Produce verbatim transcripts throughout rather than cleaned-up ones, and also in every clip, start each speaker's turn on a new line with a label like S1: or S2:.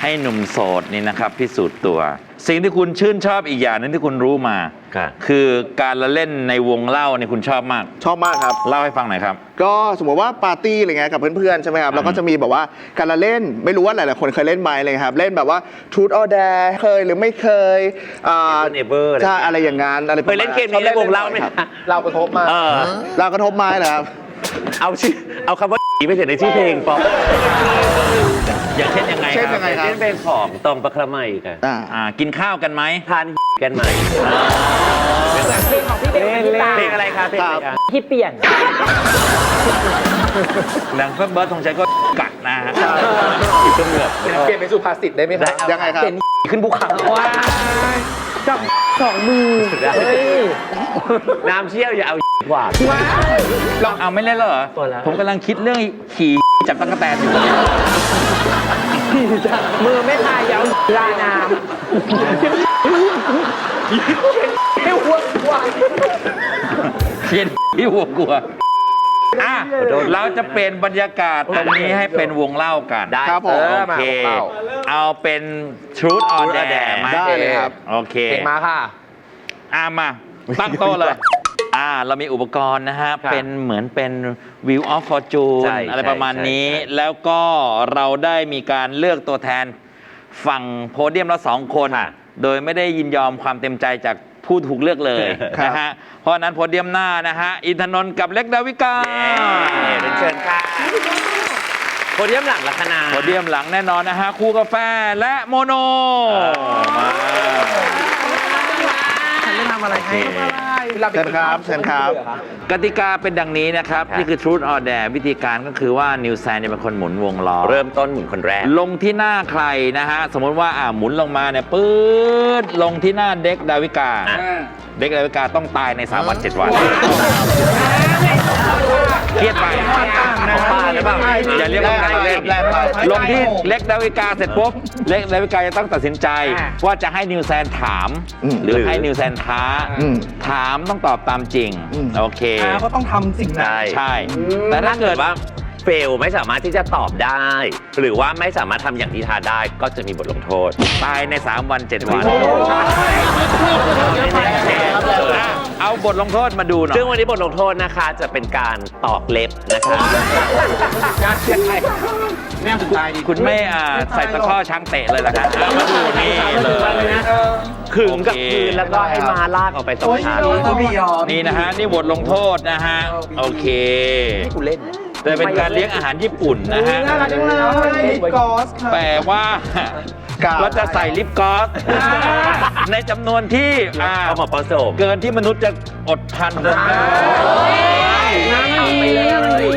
S1: ให้หนุ่มโสดนี่นะครับพิสูจน์ตัว สิ่งที่คุณชื่นชอบอีกอย่างนึงที่คุณรู้มาคือการละเล่นในวงเล่าเนี่ยคุณชอบมาก
S2: ชอบมากครับ
S1: เล่าให้ฟังหน่อยครับ
S2: ก็สมมติว่าปาร์ตี้อะไรเงี้ยกับเพื่อนๆใช่ไหมครับเราก็จะมีแบบว่าการละเล่นไม่รู้ว่าหลายๆคนเคยเล่นไหมเลยครับเล่นแบบว่า Truth or Dare เคยหรือไม่เคย
S3: อ่าเนเบอร์
S2: ใช่อะไรอย่างงั้นอะไร
S3: เคยเล่นเกมนี้ในวงเล่าไหมครับ
S2: เรากระทบมาเรากระทบไม้เหรอครับ
S3: เอาชื่อเอาคำว่าไปเขียนในชื่อเพลงป๊อป
S1: อย่างเช่นยังไง
S2: เช่นยังไงครับ
S3: เช่นเพลงของตองประครมัยกัน
S1: อ่ากินข้าวกันไหม
S3: ทานกันไหม
S4: เพลงของพี่เป็น
S3: เพลงอะไรครับเพลงอะไรครับ
S4: ที่เปลี่ยน
S1: หลังเพิ่มเบิร์ดธงชัยก็กัดนะฮะ
S3: อีกเกือบ
S2: เปลี่ยนเป็นสุภาษิตได้ไหมครับยังไงครับ
S3: เป็นขึ้นภูเขา
S4: ว้าจับสองมือ
S3: น้ำเชี่ยวอย่าเอากว่า
S1: ลองเอาไม่เล่นเหรอผมกำลังคิดเรื่องขี่จับตะกั่วแตนอยู่
S4: มือไม่พายเอาลาน้ำให้หัวกลัว
S1: เชียนที่หัวกลัวอ่ะเราจะเป็นบรรยากาศตรงนี้ให้เป็นวงเล่ากัน
S3: ได้
S2: ครับผม
S1: โอเคเอาเป็น Truth or Dare ไหม
S2: ได้เลยครับ
S1: โอเค
S3: มาค่ะ
S1: อ่ะมาตั้งโต๊ะเลยอ่าเรามีอุปกรณ์นะฮะเป็นเหมือนเป็น Wheel of Fortune อะไรประมาณนี้แล้วก็เราได้มีการเลือกตัวแทนฝั่งโพเดียมละสองคนโดยไม่ได้ยินยอมความเต็มใจจากผู้ถูกเลือกเลยนะฮะเพราะนั้นโพเดียมหน้านะฮะอินทนนท์กับเล็กดาวิกา
S3: เป็นเชิญค่ะโพเดียมหลังลัคนา
S1: โพเดียมหลังแน่นอนนะฮะคู่กาแฟและโมโนมา
S4: ฉันไม่ทำอะไรให้
S2: เชิญครับเชิญครับ
S1: กติกาเป็นดังนี้นะครับนี่คือ Truth or Dare วิธีการก็คือว่านิวแซนจะเป็นคนหมุนวงล้อ
S3: เริ่มต้นหมุนคนแรก
S1: ลงที่หน้าใครนะฮะสมมติว่าอ่าหมุนลงมาเนี่ยปื๊ดลงที่หน้าเด็กดาวิกาเด็กดาวิกาต้องตายในสามวันเจ็ดวันเครียดไปอย่าเรียกว่าการเล่นลงที่เล็กดาวิกาเสร็จปุ๊บเล็กดาวิกาจะต้องตัดสินใจว่าจะให้นิวแซนถามหรือให้นิวแซนท้าถามต้องตอบตามจริงโอเค
S4: ก็ต้องทำสิ่งนั้น
S1: ใช่แต่ถ้าเกิดว่า
S3: เฟลไม่สามารถที่จะตอบได้หรือว่าไม่สามารถทำอย่างที่ท้าได้ก็จะมีบทลงโทษ
S1: ตายในสามวันเจ็ดวันเอาบทลงโทษมาดูหน่อย
S3: ซึ่งวันนี้บทลงโทษนะคะจะเป็นการตอกเล็บนะคะ
S1: การเช็ดไทยแม่สุดท้ายดีคุณไม่ใส่ตะข้อช้างเตะเลยล่ะครับมาดูนี่เลย
S3: ขึงกับพื้นแล้วก็ให้มาลากออกไปสองชั้น
S1: นี่นะฮะนี่บทลงโทษนะฮะโอเค
S3: นี่กูเล่น
S1: จะเป็นการเลี้ยงอาหารญี่ปุ่นนะฮะแปลว่าเราจะใส่ลิปกลอสในจำนวนที่
S3: เอามาผสม
S1: เกินที่มนุษย์จะอดทนได้
S4: ไปเลย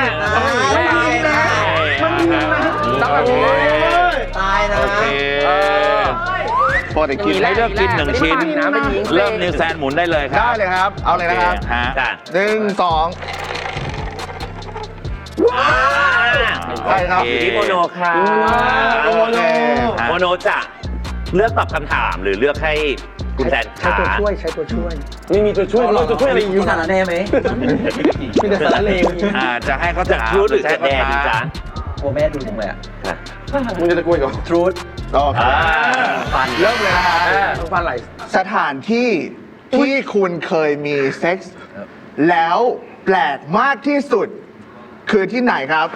S4: ตายนะ
S1: โอเคพอได้กินให้เลือกกินหนึ่งชิ้นเริ่มนิวแซนหมุนได้เลยครับ
S2: ได้เลยครับเอาเลยนะครับหนึ่งสอง
S3: ใช่ครับอยู่ที่โมโนค่ะโมโนโมโนจะเลือกตอบคำถามหรือเลือกให้คุณแซน
S4: ใช้ตัวช่วยใช้ตัวช่วย
S3: ไม่มีตัวช่วยเราตัวช่วยอะไร
S4: อยู่สารแน่ไหมมีแต่สารเลว
S1: อ่าจะให้เขาจะ
S3: ทรูดหรือจะแดนจ้า
S4: โอ้แม่ดูจังเลยอ่ะ
S2: มึงจะตะกุยก่อน
S4: ทรูด
S2: โอเค
S4: ฟัน
S2: เริ่มเลยนะ
S4: ฟันไหล
S2: สถานที่ที่คุณเคยมีเซ็กส์แล้วแปลกมากที่สุดคือที่ไหนครับ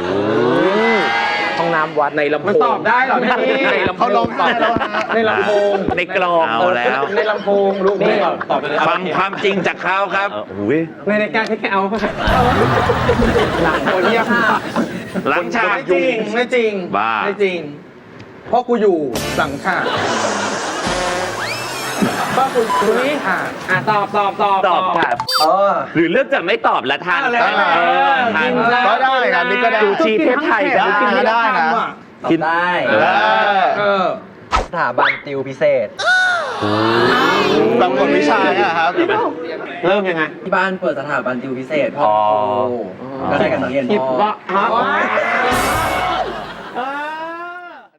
S4: ห้องน้ำวัดในลำโพงมัน
S2: ตอบได้หรอพี่เขาลองตอบ
S4: ในลำโพง
S3: ในกลอง
S1: เอาแล้ว
S4: ในลำโพงลูกนี่
S1: ตอบไปเลยฟังความจริงจากเขาครับ
S4: ในรายการแค่เอาหลังโคเรีย
S1: หลังฉาก
S4: ไม่จริงไม่จริง
S1: บ้า
S4: ไม่จริงเพราะกูอยู่หลังฉากก็คุณคุณนี่อ่าตอบตอบตอบ
S3: ตอบครับ
S4: เออ
S3: หรือเลือกจะไม่ตอบละทัน
S2: ก็ได้ครับนี่ก็ได้
S3: ดูชีเทพไทย
S2: ได้ได้นะ
S4: คิดได้เออสถาบันติวพิเศษ
S2: บางคนวิชาอะครับ
S3: เริ่มยังไง
S4: ที่บ้านเปิดสถาบันติวพิเศษพ่อก็ได้กับนักเรียนพ่อ